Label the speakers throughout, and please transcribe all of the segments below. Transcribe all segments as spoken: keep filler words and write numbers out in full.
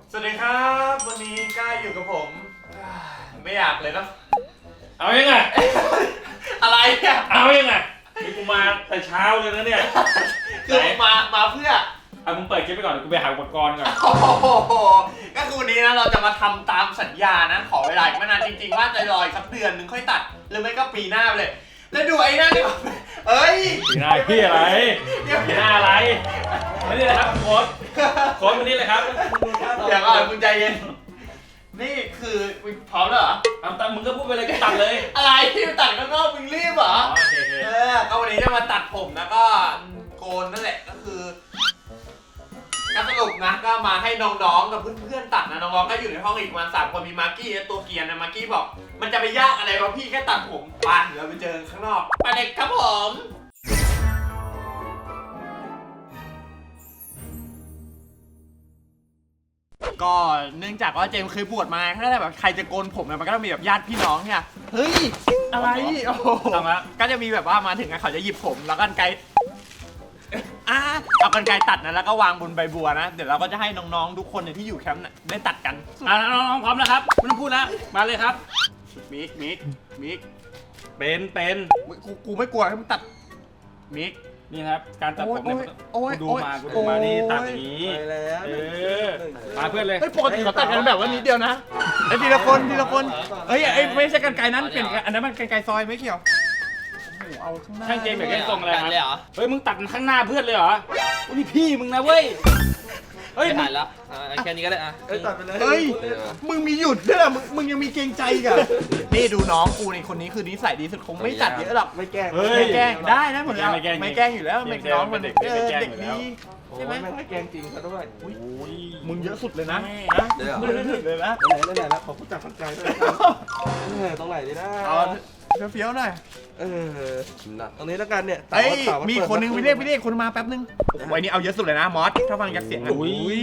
Speaker 1: สวัสดีครับวันนี้ก้าอยู่กับผมไม่อยากเลยเนาะ
Speaker 2: เอายังไง
Speaker 1: อะไรอ่ะ
Speaker 2: เอายังไงนี่กูมาแต่เช้าเลยนะเนี่ย
Speaker 1: คือมามาเพื่อ
Speaker 2: เอามึงเปิดคลิปไปก่อนกูไปหาอุปกรณ์ก่อน
Speaker 1: โอ้โหก็คือวันนี้นะเราจะมาทำตามสัญญานะขอเวลาอีกไม่นานจริงๆว่าจะรออีกสักเดือนหนึ่งค่อยตัดหรือไม่ก็ปีหน้าไปเลยแล้วดูไอ้นั่นดิเอ้ย
Speaker 2: ปีหน้าพี่อะไรปีหน้าอะไรมานี่เลยครับโค้ดโค้ดมานี่เลยครับ
Speaker 1: เดี๋ยวก่อนคุณใจเย็นนี่คือพร้อมแล้วเหรอ
Speaker 2: เอาตัดมึงก็พูดไปเลยก็ตัดเลย
Speaker 1: อะไรที่ตัดข้างนอกมึงรีบเหรอเออก็วันนี้จะมาตัดผมแล้วก็โกนนั่นแหละก็คือก็สรุปนะก็มาให้น้องๆกับเพื่อนๆตัดนะน้องๆก็อยู่ในห้องอีกประมาณสามคนมีมาร์กี้ตัวเกียร์นะมาร์กี้บอกมันจะไปยากอะไรวะพี่แค่ตัดผมไปเดี๋ยวไปเจอข้างนอกไปเด็กครับผมก็เนื่องจากว่าเจมเคยบวชมาถ้าแบบใครจะโกนผมเนี่ยมันก็ต้องมีแบบญาติพี่น้องเนี่ยเฮ้ยอะไรโอ้โหก็จะมีแบบว่ามาถึงเขาจะหยิบผมแล้วกันไกอ่ะเอากันไกตัดนะแล้วก็วางบนใบบัวนะเดี๋ยวเราก็จะให้น้องๆทุกคนที่อยู่แคมป์ได้ตัดกัน
Speaker 2: อ่ะน้องๆพร้อมแล้วครับไม่ต้องพูดแล้วมาเลยครับ
Speaker 1: มิกมิกมิก
Speaker 2: เป็นเป็น
Speaker 1: กูกูไม่กลัวให้มึงตัดมิก
Speaker 2: นี่ครับการตัดผมเนี่ยดูมากูดูมานี่ตัดอย่างนี้เออมาเพื่อนเลย
Speaker 1: ปกติเขาตัดกันแบบว่านิดเดียวนะไอ้ทีละคนทีละคนเฮ้ยไอ้ไม่ใช่กันไกนั้นเปลี่ยนอันนั้นมันกันไกซอยไม่เกี่ยว
Speaker 2: เอาข้างหน้าช่างเจมแบบนี้ทรงอะไรครับเฮ้ยมึงตัดข้างหน้าเพื่อนเลยเหรอนี่พี่มึงนะเว้ย
Speaker 3: เฮ้ยถ่ายแล้วแค่นี้ก็ได้อะ
Speaker 1: เฮ้ยตัดไปเลยเฮ้ยมึงมีหยุดด้วยมึงมึงยังมีเกรงใจกันนี่ดูน้องกูในคนนี้คือนิสัยดีสุดคงไม่ตัดเยอะหรอกไม่แกล้งไม่แกล้งได้นะผมไม่แกล้งไม่แกล้งอยู่แล้วเด็กน้องมันเด็กเด็กดีใช่ไหมไม่แกล้งจริงซะด้วยมึงเยอะสุดเลยนะ
Speaker 3: เดี๋ยว
Speaker 1: เลยนะ
Speaker 3: ไหนไหนไหนแล้วขอพูดจากฝันใจด้วยตรงไหนดีนะ
Speaker 1: เฟี้ยวหน่อย
Speaker 3: เออตรงนี้แล้วกันเนี่ย
Speaker 1: เฮ้ยมีคนนึงไปเรียกไปเรียกคนมาแป๊บนึงวันนี้เอาเยอะสุดเลยนะมอสถ้าฟังจากเสียง
Speaker 2: อุ้ย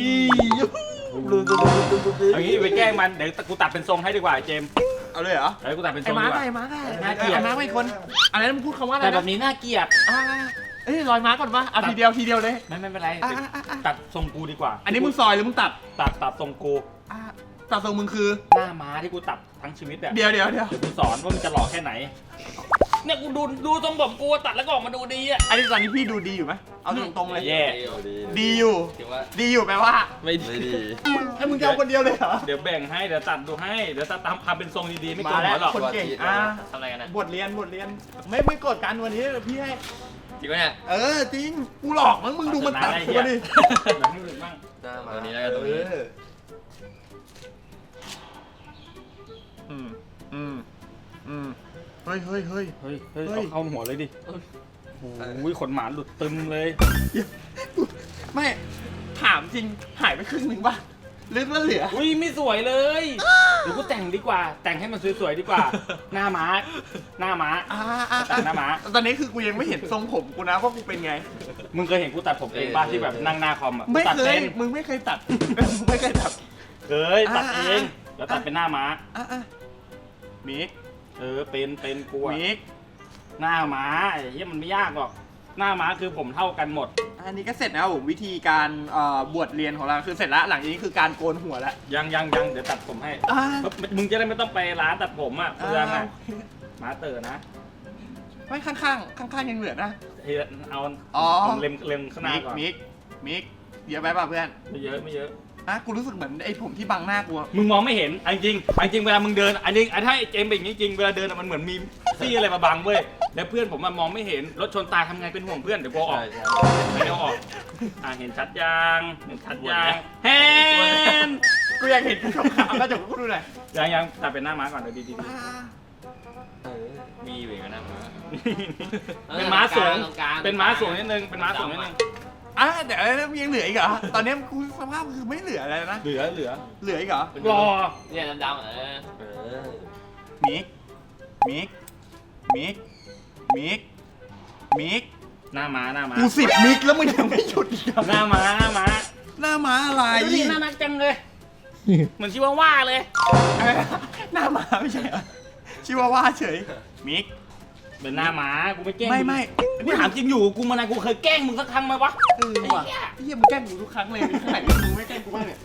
Speaker 2: เอางี้ไปแกล้งมันเดี๋ยวกูตัดเป็นทรงให้ดีกว่าเจม
Speaker 1: เอาเลยเหรอ
Speaker 2: เฮ้ยกูตัดเป็นทรงดีกว่า
Speaker 1: ไอ้ม้าไอ้ม้าไอ้ม้าไม่คนอะไรนะมึงพูดคำว่าอะไร
Speaker 2: แต่แบบนี้น่าเกลียด
Speaker 1: เอ้ยลอยม้าก่อนปะเอาทีเดียวทีเดียวเลย
Speaker 2: ไม่ไม่เป็นไรตัดทรงกูดีกว่า
Speaker 1: อันนี้มึงซอยหรือมึงตัด
Speaker 2: ตัดตัดทรงกู
Speaker 1: ตัดทรงมึงคือ
Speaker 2: หน้าม้าที่กูตัดทั้งชีวิตอะ
Speaker 1: เดี๋ยวเดี๋ยวเดี๋ยว
Speaker 2: กูสอนว่ามึงจะหล่อแค่ไหนเนี่ยกูดูดูทรงผมกูตัดแล้วก็ออกมาดูดีอะ
Speaker 1: อันนี้ตอนนี้พี่ดูดีอยู่ไหมเอาตรงๆเลย
Speaker 2: แย่
Speaker 1: ดีอยู่ดีอยู่แปลว่า
Speaker 3: ไม่ดี
Speaker 1: ให้มึงเอาคนเดียวเลยเหรอ
Speaker 2: เดี๋ยวแบ่งให้เดี๋ยวตัดดูให้เดี๋ยวตัดตามทำเป็นทรงดีๆไม่โกงหัวหรอก
Speaker 1: คนเก่งอ่ะ
Speaker 3: ทำอะไรกันนะ
Speaker 1: บทเรียนบทเรียนไม่ไม่กดกันวันนี้พี่ให้
Speaker 3: จริงไหมเนี่ย
Speaker 1: เออจริงกูหลอกมั้งมึงดูมันตัดตัวดิ
Speaker 2: แบบนี้บ้าง
Speaker 3: ตัวนี้แล้วกันตัวนี้
Speaker 1: อืมอืมอืมเฮ้ยเฮ้ยเฮ้ย
Speaker 2: เฮ้ยเฮ้ยเข้าหัวเลยดิโอ้ยขนหมาหลุดตึมเลย
Speaker 1: ไม่ถามจริงหายไปครึ่งหนึ่งป่ะลึกแล้วเหลือ
Speaker 2: อุ้ยไม่สวยเลยเดี๋ยวกูแต่งดีกว่าแต่งให้มันสวยๆดีกว่าหน้าม้าหน้าม้าแต่งหน้าม้า
Speaker 1: ตอนนี้คือกูยังไม่เห็นทรงผมกูนะว่ากูเป็นไง
Speaker 2: มึงเคยเห็นกูตัดผมเองป่ะที่แบบนั่งหน้าคอมอ่ะ
Speaker 1: ไม่เคยมึงไม่เคยตัดไม่เคยตัด
Speaker 2: เคยตัดเองแล้วตัดเป็นหน้าม้า
Speaker 1: มิก
Speaker 2: เออเป็นเป็นกู
Speaker 1: มิก
Speaker 2: หน้าม้าไอ้เหี้ยมันไม่ยากหรอกหน้าม้าคือผมเท่ากันหมด
Speaker 1: อันนี้ก็เสร็จแล้ววิธีการบวชเรียนของเราคือเสร็จแล้วหลังจากนี้คือการโกนหัวแล้ว
Speaker 2: ยังยังยังเดี๋ยวตัดผมให้มึงจะได้ไม่ต้องไปร้านตัดผมอ่ะเพื่อนอ่ะม้าเต๋อนะ
Speaker 1: ไม่ข้างข้างข้างข้างยังเหลือนะ
Speaker 2: เอา
Speaker 1: อ๋อ
Speaker 2: เล็มเล็มข้างหน้าก่อน
Speaker 1: มิกมิกเยอะไปป่ะเพื่อน
Speaker 2: ไม่เยอะไม่เยอะ
Speaker 1: อ่ะกูรู้สึกเหมือนไอ้ผมที่บังหน้ากู
Speaker 2: มึงมองไม่เห็นจริงจริงเวลามึงเดินอันนี้ถ้าเจมเป็นอย่างนี้จริงเวลาเดินมันเหมือนมีซี่อะไรมาบังเว้ยแล้วเพื่อนผมมันมองไม่เห็นรถชนตายทำไงเป็นห่วงเพื่อนเดี๋ยวกูออกไม่เอาออกอ่าเห็นชัดยังเห็นชัดยังเห็น
Speaker 1: กูอยากเห็นขาวๆแล้วจบกูดูหน่อย
Speaker 2: ยังยังตัดเป็นหน้าม้าก่อนเดี๋ยวดี
Speaker 3: มีอยู่กันนะ
Speaker 2: เป็นม้าสูงเป็นม้าสูงนิดนึงเป็นม้าสูงนิดนึง
Speaker 1: อ่ะเดี๋ยวยังเหลืออีกเหรอตอนนี้กูสภาพคือไม่เหลืออะไรนะ
Speaker 2: เหลือเหลือ
Speaker 1: เหลืออีกเหรอ
Speaker 2: รอ
Speaker 3: เนี่ยดำๆเออ
Speaker 1: มิกมิกมิกมิกมิก
Speaker 2: หน้าม้าหน้าม้า
Speaker 1: กูสิบมิกแล้วมึงยังไม่หยุดอีก
Speaker 2: หน้าม้าหน้าม้า
Speaker 1: หน้าม้าอะไร
Speaker 2: นี่น่ารักจังเลยเหมือนชิวาว่าเลย
Speaker 1: หน้าม้าไม่ใช่เหรอชิวาว่าเฉยมิก
Speaker 2: เป็นหน้าหมากูไม่แกล้ง
Speaker 1: ไม่ไม่
Speaker 2: กูถามจริงอยู่กูมานานกูเคยแกล้งมึงสักครั้งไหมวะ
Speaker 1: เออว่ะเฮียมึงแกล้งกูทุกครั้งเลยไหนมึงไม่แกล้งกูบ้างเนี่ย
Speaker 2: อ่ะ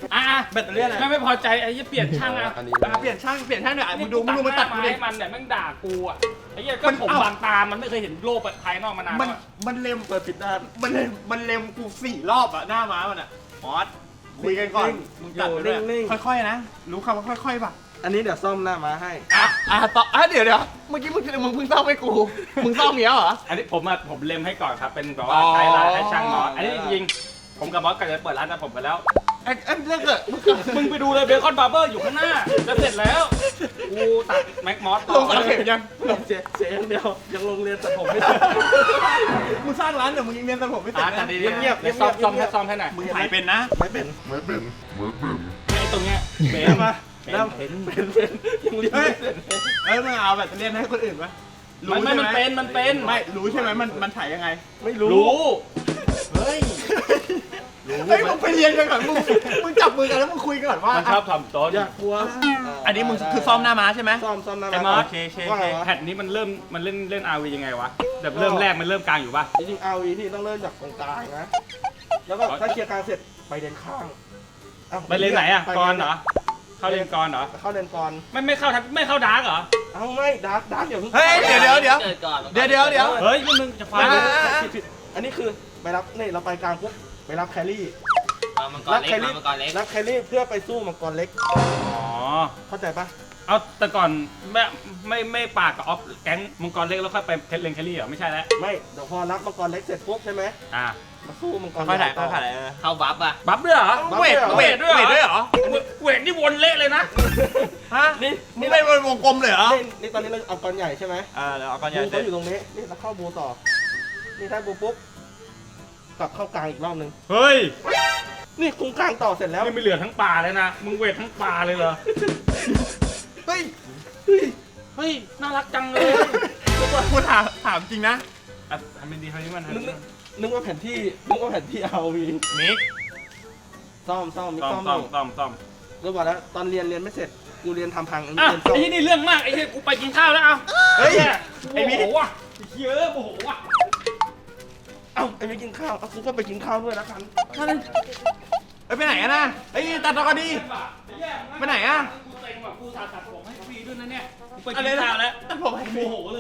Speaker 1: แบตเตอรี่อะไร
Speaker 2: ไม่ไม่พอใจไอ้ยี่เปลี่ยนช่างอ่ะ
Speaker 3: อันนี้
Speaker 1: อ่ะเปลี่ยนช่างเปลี่ยนช่างหน่อยมึงดูมึงดูมันตัดกูดิ
Speaker 2: ให้มันเนี่ยแม่งด่ากูอ่ะไอ้ยี่ก็
Speaker 1: มัน
Speaker 2: ผม
Speaker 1: เอ้า
Speaker 2: บางตามันไม่เคยเห็นโลกภายนอกมานาน
Speaker 1: มัน
Speaker 2: แล้วอะ
Speaker 1: มันเล็ม
Speaker 3: เปิดปิดด้าน
Speaker 1: มันเล็มมันเล็มกูสี่รอบอะหน้าม้ามันอะมอสคุยกันก่อน
Speaker 3: นิ่ง
Speaker 1: มึงตัดไปด้วย
Speaker 3: นิ่ง
Speaker 1: ค่อยๆนะรู้คำว่าค่อยๆป่ะ
Speaker 3: อันนี้เดี๋ยวซ่อมหน้าม้าให้
Speaker 1: อ่ะอ่ะต่ออ่ะเดี๋ยวเดี๋ยวเมื่อกี้มึงมึงเพิ่งซ่อมให้กู มึงซ่อมเงี้ยเหรอ
Speaker 2: อันนี้ผมอะผมเล็มให้ก่อนครับเป็นแบบว่า
Speaker 1: อ๋อ
Speaker 2: ไทยร้านให้ช่างมอสอันนี้จริงๆผมกับมอสก็จะเปิดร้านแต่ผมไปแล้ว
Speaker 1: ไอ้ไอ้เรื่องเกิด
Speaker 2: มึงไปดูเลยเบคอนบาร์เบอร์อยู่ข้างหน้าจะเสร็จแล้วกูตัดแม็กมอส
Speaker 1: ลงสาเข็มยัง
Speaker 3: เสียเสียอย่างเดียวยังลงเรียนแต่ผมไม่ได้
Speaker 1: มึงสร้างร้านแต่มึงยังเรียนตัดผมไม่เสร็
Speaker 2: อ่า
Speaker 1: จ
Speaker 2: ตัด
Speaker 1: นะ
Speaker 2: ดี
Speaker 3: เงียบ
Speaker 2: ๆ
Speaker 3: ๆ
Speaker 2: เดี๋ยวซ่อม
Speaker 3: เงียบๆ
Speaker 2: ซ่อมให้ซ่อมให้หน่อย
Speaker 1: มึงถ่ายเป็นนะ
Speaker 3: ไม่เป็น
Speaker 2: ไอ้ตรงเนี้ยเบ
Speaker 3: เห็นมา
Speaker 2: เป็น
Speaker 3: แล้ว
Speaker 2: เป็น
Speaker 3: เป็นเป็นยังเรียน
Speaker 1: เฮ้ย
Speaker 3: ไม่เสร็จ
Speaker 1: เอ้ยมึงเอาแบบเรียนให้คนอื่นปะ
Speaker 2: มันไม่มันเป็นมันเป็น
Speaker 1: ไม่รู้ใช่ไหมมันมันถ่ายยังไง
Speaker 3: ไม่รู้
Speaker 2: รู้
Speaker 1: เฮ้ยเฮ้ยมึงไปเรียนกันก่อนมึงมึงจับมือกันแล้วมึงคุยกันก่อนว่า
Speaker 2: มันชอบทำต้น
Speaker 3: อย่ากลัว
Speaker 1: อันนี้มึงคือซ่อมหน้าม้าใช่ไหม
Speaker 3: ซ่อมซ่อมหน้า
Speaker 2: ไอ้ม
Speaker 3: ม้า
Speaker 2: อส
Speaker 1: โอเคโอเค
Speaker 3: ว่าไงวะ
Speaker 2: แผ่นนี้มันเริ่มมันเล่นเล่นอาวียังไงวะแบบเริ่มแรกมันเริ่มกลางอยู่ป่ะ
Speaker 3: จริงๆ อาร์ วี ที่ต้องเริ่มจากตรงกลางนะ แล้วก็ถ้าเคลียร์กลางเสร็จไปเลนข้างอ้าว
Speaker 2: ไปเลนไหนอ่ะ
Speaker 3: ป
Speaker 2: กรเหรอเข้าเลนกรเหรอ
Speaker 3: เข้าเลนกร
Speaker 2: ไม่ไม่เข้าทับไม่เข้าดาร์กเหรอ
Speaker 3: เอ้าไม่ดาร์กดาร์กเดี๋ยวเพิ่ง
Speaker 1: เฮ้ยเดี๋ยวเดี๋ยวเดี๋ยว
Speaker 4: เกิดก่อน
Speaker 1: เดี๋ยวเดี๋ยวเดี๋ยว
Speaker 2: เฮ้ยนี่มึงจะฟัง
Speaker 1: อ่า
Speaker 3: ผิดผิดอันนี้คือไปรับนี่เราไปกลางปุ๊บไปรับแครี่
Speaker 4: มามังกร
Speaker 3: รับ
Speaker 4: เล็ก
Speaker 3: แครี่
Speaker 4: มามังกรเล็ก
Speaker 3: รับแครี่เพื่อไปสู้มังกรเล็ก
Speaker 2: อ๋อ
Speaker 3: เข้าใจปะ
Speaker 2: เอาแต่ก่อนไม่ไม่ไม่ปากกับออฟแก๊งมังกรเล็กแล้วค่อยไปเลนแคลรี่เหรอไม่ใช่แล้ว
Speaker 3: ไม่เดี๋ยวพอรับมังกรเล็กเสร็จปุ๊บใช่ไหม
Speaker 2: อ่า
Speaker 3: มาสู้มังกร
Speaker 1: ค่อยถ่าย
Speaker 3: ใหญ่
Speaker 1: ค่
Speaker 3: ต่
Speaker 1: อยถ่ายเออ
Speaker 4: เข้าบัฟอ่ะ
Speaker 2: บัฟด้วยเหรอ
Speaker 1: เวทเวทด้วยเวทด้วยเหรอ
Speaker 2: เวทนี่วนเละเลยนะ
Speaker 1: ฮะ
Speaker 3: นี่
Speaker 1: มึง
Speaker 3: นี่
Speaker 1: เป็นวงกลมเลยเหรอ
Speaker 3: นี่นี่ตอนนี้เราเอากรใหญ่ใช่ไหม
Speaker 1: เออแล้วเอาก้อนใหญ่
Speaker 3: บู
Speaker 1: เสร็
Speaker 3: เขา
Speaker 1: จ
Speaker 3: อยู่ตรงนี้นี่เราเข้าบูต่อ นี่ถ้าบูปุ๊บกลับเข้ากลางอีกรอบนึง
Speaker 2: เฮ้ย
Speaker 3: นี่คุ้งกลางต่อเสร็จแล้ว
Speaker 2: นี่ไม่เหลือทั้งป่าเลยนะมึงเวททั้งป่าเลยเหรอ
Speaker 1: เฮ้ย
Speaker 2: เฮ้ยน่ารักจังเลย
Speaker 1: กูถามถามจริงนะ
Speaker 2: อ่ะทำเป็นดีทำเป็นมัน
Speaker 3: นึกนึกนึกว่าแผนที่นึกว่าแผนที่ อาร์ วี
Speaker 1: มิก
Speaker 3: ซ่อมซ่อมมี
Speaker 2: ซ่อม
Speaker 3: ซ่อม
Speaker 2: ซ่อม
Speaker 3: อยู่
Speaker 2: ซ่อมซ่อม
Speaker 3: ก็บอกแล้วตอนเรียนเรียนไม่เสร็จกูเรียนทำพังอันนี้
Speaker 2: อ่ะ
Speaker 3: เรียนซ่อม
Speaker 2: ไอ้ที่นี่เรื่องมากไอ้ที่กูไปกินข้าวแล้วเอา
Speaker 1: เฮ้ย
Speaker 2: ไอ้โมโหว่ะไอ้เหี้ยอะโมโหว่ะ
Speaker 3: เอ้าไอ้ไม่กินข้าวเอากูก็ไปกินข้าวด้วยแล้วกัน
Speaker 1: นั่นเลยเอ้ยไปไหนอะนะเฮ้ยตัดต่อกันดี ไปไหนอะ
Speaker 2: กูเต็งว่ะกูสาตัดผมให้ฟรีด้วยนะเนี่ยกูไป
Speaker 1: อะ
Speaker 2: กิ
Speaker 1: ไร
Speaker 2: น
Speaker 1: นะ
Speaker 2: ข้าวแล้ว
Speaker 1: ตัดผมให้
Speaker 2: โม
Speaker 1: ฟรี
Speaker 2: โหเลย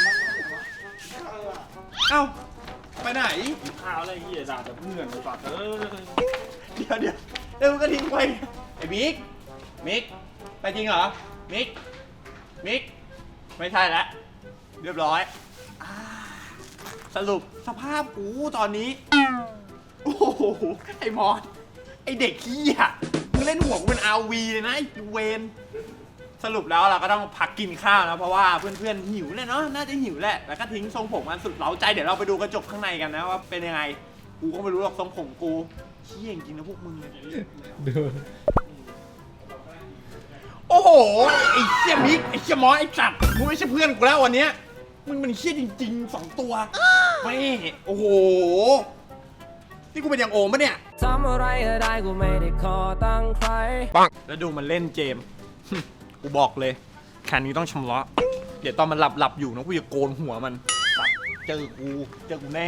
Speaker 1: เอ้าไปไหน
Speaker 2: กินข้าวอะไรเหี้ยด่าแต่เพื่อนไปตัดเออ
Speaker 1: เดี๋ยวเดี๋ยวเดี๋ยวมึงก็ทิ้งไปไอ้มิกมิกไปจริงเหรอมิกมิกไม่ใช่แล้วเรียบร้อยอ่าสรุปสภาพกูตอนนี้โอ้โหไอ้มอสไอ้เด็กขี้อ่ะมึงเล่นหัวกูเป็นอาวีเลยนะไอ้เวนสรุปแล้วเราก็ต้องพักกินข้าวนะเพราะว่าเพื่อนๆหิวเลยเนาะน่าจะหิวแหละแล้วก็ทิ้งทรงผมกันสุดเร้าใจเดี๋ยวเราไปดูกระจกข้างในกันนะว่าเป็นยังไงกูก็ไม่รู้หรอกทรงผมกูเชี่ยจริงๆนะพวกมึง โอ้โห ไอ้เชี่ยมิก ไอ้เชี่ยมอสไอ้จัดมึงไม่ใช่เพื่อนกูแล้ววันเนี้ยมึงมันเชี่ยจริงๆสองตัวไม่โอ้โห นี่กูเป็นอย่างโอมปะเนี่ย
Speaker 5: ทำอะไรก็ได้กูไม่ได้ขอตั้งใคร
Speaker 1: แล้วดูมันเล่นเกม กูบอกเลยแค่นี้ต้องชำระเดี๋ยวตอนมันหลับหลับๆอยู่นะกูจะโกนหัวมันสัตว์เจอกู เจอกูแน่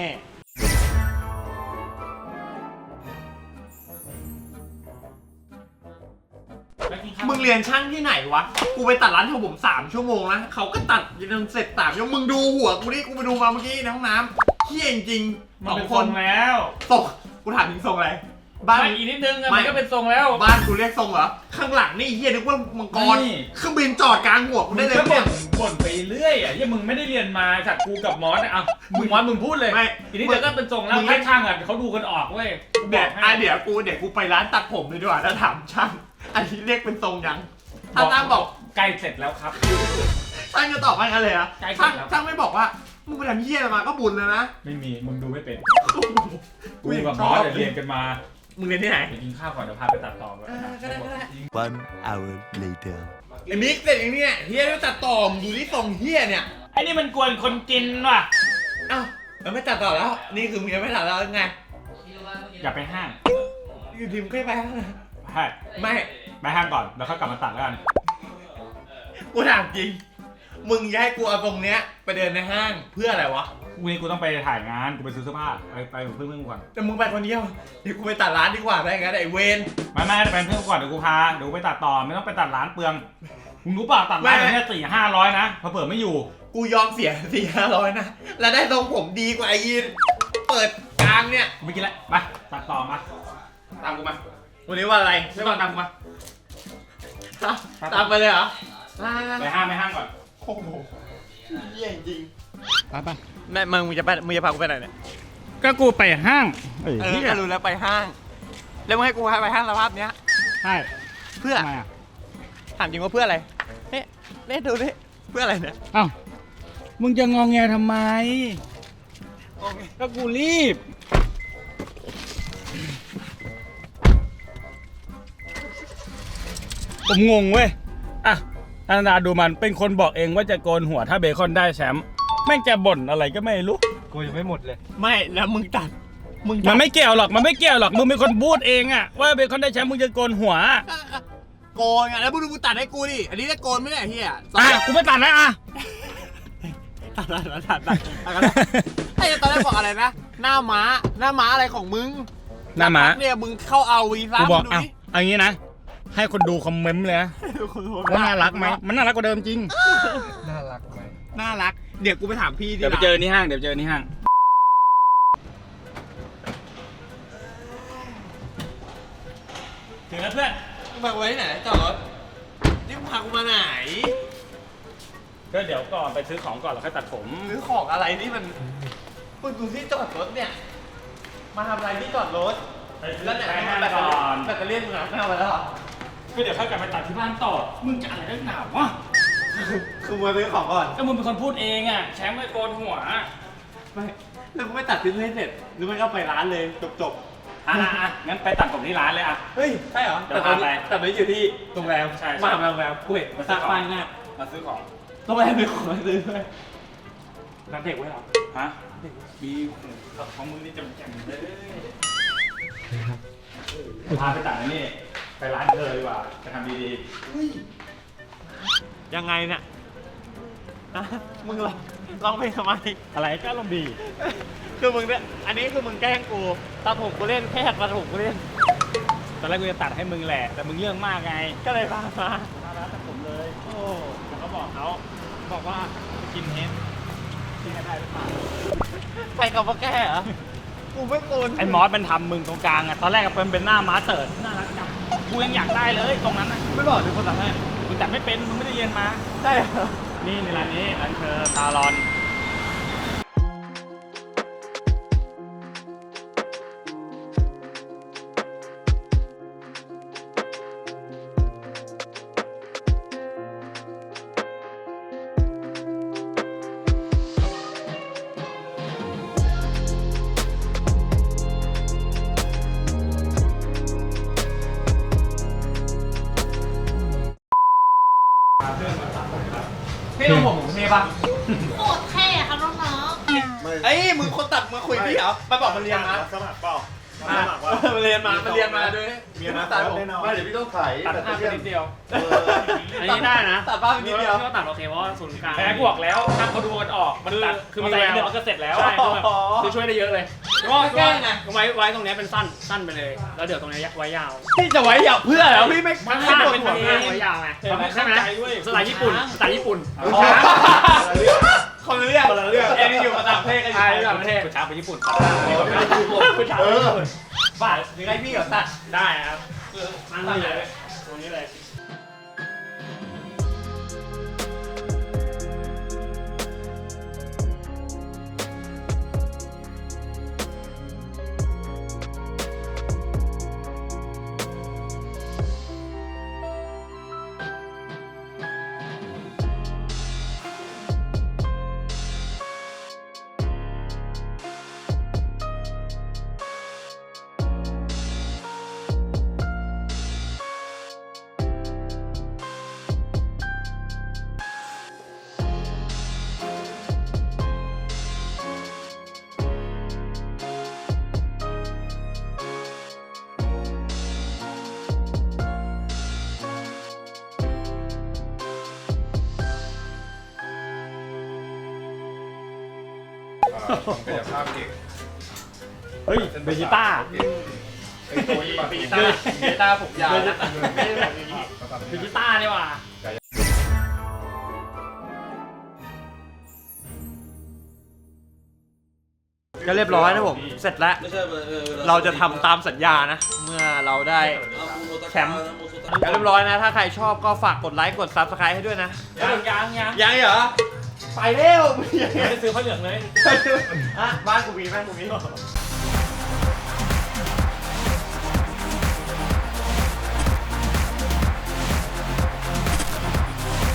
Speaker 1: มึงเรียนช่างที่ไหนวะ กูไปตัดร้านทำผมสามชั่วโมงนะเขาก็ตัดจนเสร็จสามชั่วโมงมึงดูหัวกูดิ กูไปดูมาเมื่อกี้ในห้องน้ำเฮี้ยจริงๆ
Speaker 2: มัน
Speaker 1: สอง
Speaker 2: เป็น
Speaker 1: ค
Speaker 2: ทร
Speaker 1: น
Speaker 2: งแล้ว
Speaker 1: ตกกูถามถึงทรงอะไร บ้าน
Speaker 2: ไม่อีกนิดนึงอะ
Speaker 1: ไม่
Speaker 2: มันก็เป็นทรงแล้ว
Speaker 1: บ้านกูเรียกทรงเหรอ ข้างหลังนี่เฮี้ยนึกว่ามังกร
Speaker 2: นี่
Speaker 1: เครื่องบินจอดกลางหัวกู
Speaker 2: มึ
Speaker 1: ได้
Speaker 2: ง
Speaker 1: เลย
Speaker 2: ก็
Speaker 1: เนี่
Speaker 2: บ่
Speaker 1: ย
Speaker 2: นบ่นไปเรื่อยอ่ะยังมึงไม่ได้เรียนมาจากกูกับมอสอะเอามึงมอสมึงพูดเลย
Speaker 1: ไม่
Speaker 2: ทีนี้เดี๋ยวก็เป็นทรงแล้ว
Speaker 1: มึง
Speaker 2: ให้ช่างอ่ะเขาดูกันออกเว้ยกูบ
Speaker 1: เดี๋
Speaker 2: อย ก
Speaker 1: ว
Speaker 2: ให้
Speaker 1: อ่ะเดี๋ยวกูเดี๋ยวกูไปร้านตัดผมเลยดีกว่าแล้วถามช่าง อันนี้เรียกเป็นทรงยัง ถ้าช่างบอก
Speaker 2: ใกล้เสร็จแล้วครับ
Speaker 1: ช่างจะตอบว่ากันเลยนะ
Speaker 2: ใกล้เสร็
Speaker 1: ช่าง
Speaker 2: จแล้ว
Speaker 1: ช่างไม่บอกว่ามึงไปทำเฮี้ยอะไรมาก็บุญแล้วนะ
Speaker 2: ไม่มีมึงดูไม่เป็น
Speaker 1: กู
Speaker 2: กู
Speaker 1: ยัง
Speaker 2: กับ
Speaker 1: ช
Speaker 2: ม
Speaker 1: อ
Speaker 2: อบ ส
Speaker 1: เลย
Speaker 2: เรียนกันมา
Speaker 1: มึงเรียนที่ไหน
Speaker 2: ไปกินข้าวก่อนเดี๋ยวพาไปตัดต่อก่อน
Speaker 1: เออก็ได้ก็ได้
Speaker 6: One hour later.
Speaker 1: ไอ้มิกเสร็จอย่างเนี้ยเฮี้ยไม่ตัดต่อมงดูที่ทรงเฮี้ยเนี่ย
Speaker 2: ไอ้นี่มันกวนคนกินว่ะ
Speaker 1: เอ้าแล้วไม่ตัดต่อแล้ว นี่คือมึงยังไม่ตัดแล้วไง
Speaker 2: อย่าไปห้าง
Speaker 1: อยู่ทีมก็ไปแล้วนะ
Speaker 2: ใช่
Speaker 1: ไม่
Speaker 2: ไปห้างก่อนแล้วค่อยกลับมาตัดแล้วกัน
Speaker 1: กูถามจริง มึงจะให้กูเอาตรงเนี้ยไปเดินในห้างเพื่ออะไรวะ
Speaker 2: กูนี่กูต้องไปถ่ายงานกูไปซื้อเสื้อผ้าไปไปกับเพื่อนๆก่อน
Speaker 1: แต่มึงไปคนเดียวเดี๋ยวกูไปตัดร้านดีกว่าได้งั้นไอ้เวน
Speaker 2: ไม่ไม่ไปเพื่อนก่อนเดี๋ยวกูพาเดี๋ยวกูไปตัดต่อไม่ต้องไปตัดร้านเปลืองมึงรู้เปล่าตัดร้านแค่สี่ห้าร้อยนะพอเปิดไม่อยู่
Speaker 1: กูยอมเสียสี่ห้าร้อยนะแล้วได้ทรงผมดีกว่าไอ้ยีนเปิดกลางเนี่ย
Speaker 2: กูไม่กินแล้วไปตัดต่อมาตามกูมา
Speaker 1: วันนี้ว่าอะไร
Speaker 2: ไม่ต้องตามกูมา
Speaker 1: ตามไปเลยเหรอ
Speaker 2: ไปห้างไปห้างก่อน
Speaker 1: โอ้โหเยี่ยจริง
Speaker 2: ไปไป
Speaker 1: แม่มึงมึงจะไปมึงจะพากูไปไหนเนี่ย
Speaker 2: ก็กูไปห้าง
Speaker 1: เออก็รู้แล้วไปห้าง แล้วมึงให้กูพาไปห้างสภาพเนี้ย
Speaker 2: ใช่
Speaker 1: เพื่อ
Speaker 2: ทำไมอ่ะ
Speaker 1: ถามจริงว่าเพื่ออะไรเฮ้ยเล่นดูดิเพื่ออะไรเนี่ย
Speaker 2: อ้าวมึงจะงองแงทำไม
Speaker 1: โอเค
Speaker 2: ก็กูรีบผมงงเว้ยอ่ะอนันดาดูมันเป็นคนบอกเองว่าจะโกนหัวถ้าเบคอนได้แชมป์แม่งจะบ่นอะไรก็ไม่รู้
Speaker 3: กูยังไม่หมดเลย
Speaker 1: ไม่แล้วมึงตัดมึง
Speaker 2: มั
Speaker 1: ตั
Speaker 2: น
Speaker 1: ด
Speaker 2: ไม่เกี่ยวหรอกมันไม่เกี่ยวหรอกมึงเป็นคนพูดเองอะว่าเบคอนได้แชมป์มึงจะโกนหัว
Speaker 1: โกนไงแล้วมึงดูกูตัดให้กูดิอันนี้จะโกนไม่ได้เฮีย
Speaker 2: อ่ะกูไม่ตัดแล้วอ่ะ
Speaker 1: ตัดตัดตัดตัดตัดไอ้ตอนแรกบอกอะไรนะหน้าม้าหน้าม้าอะไรของมึง
Speaker 2: หน้าหมา
Speaker 1: เนี่ยมึงเข้าเอาวีซ่า
Speaker 2: กูบอก
Speaker 1: ดู
Speaker 2: เอา
Speaker 1: ดิ
Speaker 2: เอางี้นะให้คนดูคอมเมนต์เลยนะว่าน่ารักไหมมันน่ารักกว่าเดิมจริง
Speaker 3: น่ารักไหม
Speaker 1: น่ารักเดี๋ยวกูไปถามพี่ที่
Speaker 2: เดี๋ยวไป
Speaker 1: ร้าน
Speaker 2: เจอที่ห้างเดี๋ยวเจอที่ห้างถึงแล้วเพื่อน
Speaker 1: มึงพากูไปที่ไหนจอดรถนี่มึงพากูมาไหน
Speaker 2: ก็เดี๋ยวก่อนไปซื้อของก่อนแล้วค่อยตัดผม
Speaker 1: ซื้อของอะไรนี่มันมึงดูที่จอดรถเนี่ยมาทำอะไรที่จอดรถ
Speaker 2: ไปซื้อ
Speaker 1: แล้วเนี่ย
Speaker 2: ไปห้าง
Speaker 1: แบตเตอ
Speaker 2: ก่
Speaker 1: รี่
Speaker 2: อน
Speaker 1: แบตเตอรี่มึงหายไปแล้วเหรอ
Speaker 2: ก็เดี๋ยวค่อยกลับไปตัดที่บ้านต่อมึงจะอะไรนักหนาวะ
Speaker 1: คือมาซื้อของก่อน
Speaker 2: ก็มึงเป็นคนพูดเองอ่ะแชมป์ไม่โกนหัว
Speaker 1: ไม่แล้วมึงไม่ตัดทิ้งให้เสร็จหรือไม่ก็ไปร้านเลยจบจบ
Speaker 2: อ่ะอ่ะอ่ะงั้นไปตัดผมที่ร้านเลยอ่ะ
Speaker 1: เฮ้ยใช่เหรอ
Speaker 2: เดี๋ยว
Speaker 1: แต่ตอน
Speaker 2: พาไป
Speaker 1: นี้แต่ตอนนี้อยู่ที่โรงแรม
Speaker 2: ใช่ใช่
Speaker 1: มาทำโรงแรมกูเห็นมาสร้างป้ายหน้า
Speaker 2: มาซื้อของ
Speaker 1: โรงแรมมีของมาซื้อด้วยร้านเด็กไว้เหรอ
Speaker 2: ฮะมีของมึงนี่จำแจ่มเลยพาไปตัดอันนี่ไปร้านเธอดีกว่าจะทำดี
Speaker 1: ยังไงเนี่ยอ่ะมึงลองลองไปทำไม
Speaker 2: ๆอะไรก็ลงดี
Speaker 1: คือมึงเนี่ยอันนี้คือมึงแกล้งกูตัดผมกูเล่นแค่ตัดผมกูเล่น
Speaker 2: ตอนแรกกูจะตัดให้มึงแหละแต่มึงเรื่องมากไง
Speaker 1: ก็เลยพามา
Speaker 2: พาร้านตัดผมเลย
Speaker 1: โอ้
Speaker 2: แล้วก็บอกเขาบอกว่ากินเฮดกินให้ได้หรือเปล่า
Speaker 1: ใครกับมาแก้เหรอกูไม่โกน
Speaker 2: ไอ้มอสมันทำมึงตรงกลางอ่ะตอนแรกอะเป็นเป็นหน้าม้าเติร์ดน่ารักจังกูยังอยากได้เลยตรงนั้นอ่ะ
Speaker 1: ไม่บอกถึงคนตัดให้
Speaker 2: มึงตัดไม่เป็นมึงไม่ได้เรียนมา
Speaker 1: ได้เหรอ
Speaker 2: นี่ในร้านนี้ร้านเธอตาลอน
Speaker 1: พี่ต้องผมผมเทปะ
Speaker 4: โคตรเท่ค่ะน้อง
Speaker 1: เอ้ยมึงคนตัดมาคุยพี่เหรอมาบอกมันเรียนมา
Speaker 3: สมัครเปล่า
Speaker 1: อ่ะมันเรียนมามันเรียนมาด้วย
Speaker 3: มีอนาค
Speaker 1: ตัด
Speaker 3: ต
Speaker 1: ผม
Speaker 3: แน่นอนไม่เดี๋ยวพี่ต้องถ่าย
Speaker 2: ตัด
Speaker 3: แต่
Speaker 2: หน้า
Speaker 3: เพื่
Speaker 2: ไป
Speaker 3: อน
Speaker 2: นิดเดียว
Speaker 7: อันนี้ได้นะ
Speaker 1: ตัดบ้านไปนิดเดียว
Speaker 7: พี่ก็ตัดโอเคเพราะว่าศูนย์กลาง
Speaker 2: แพ้กูบอกแล้วถ้าเขาดูกันออกมันตัดคือมัน
Speaker 7: มี
Speaker 2: ใส่
Speaker 7: แวว
Speaker 2: เดี๋ยวก็เสร็จแล้ว
Speaker 7: ใช่คือแบบคือช่วยได้เยอะเลย
Speaker 1: ก็แกล้งไง
Speaker 7: ไว้ไว้ตรงเนี้ยเป็นสั้นสั้นไปเลย แล้วเดี๋ยวตรงเนี้ยไว้ยาว
Speaker 1: พี่จะไว้อยากเพื่อแล้วพี่ไม่
Speaker 7: มัน
Speaker 1: ไม่
Speaker 7: สั้น
Speaker 1: ปวด
Speaker 7: เป็น
Speaker 1: หัว
Speaker 7: เอ
Speaker 1: เอง
Speaker 7: งไว้ยาวไง
Speaker 2: เห็นไหม
Speaker 7: ใช่ไหม
Speaker 2: เข้าใจเว้ย
Speaker 7: สไตล์ญี่ปุ่นสไตล์ญี่ปุ่น
Speaker 1: อ๋อคนละเรื่องคนละเรื่องเอ็นนี่อยู่ประต่างประเทศกันอยู่
Speaker 7: ใช่
Speaker 1: ต่างประเทศ
Speaker 2: กูช้าไปญี่ปุ่น
Speaker 7: ผู้ชาย
Speaker 3: เออ
Speaker 1: บ้าหรือไงพี่เหรอตัด
Speaker 7: ได้ครับนั่งนี่เลยตรงนี้เลย
Speaker 8: กายภาพเก่ง
Speaker 7: เฮ้ยเบจิต้า
Speaker 8: ไอ้ตัวนี้
Speaker 1: เบต้าเบต้าผมยาวนะ
Speaker 7: ไม่ได้แบบนี้เบจิต้านี่หว่า
Speaker 1: ก็เรียบร้อยนะผม เสร็จแล้ว เราจะทำตามสัญญานะ เมื่อเราได้แชมป์เรียบร้อยนะ ถ้าใครชอบก็ฝากกดไลค์กด ซับสไครบ์ให้ด้วยนะ
Speaker 7: ยังยังยัง
Speaker 1: ยังเหรอ ไปเร็ว
Speaker 7: ไม่ได้ซื้อผ้าเหลืองเลย
Speaker 1: อ่ะบ้านกูมีบ้านกูมี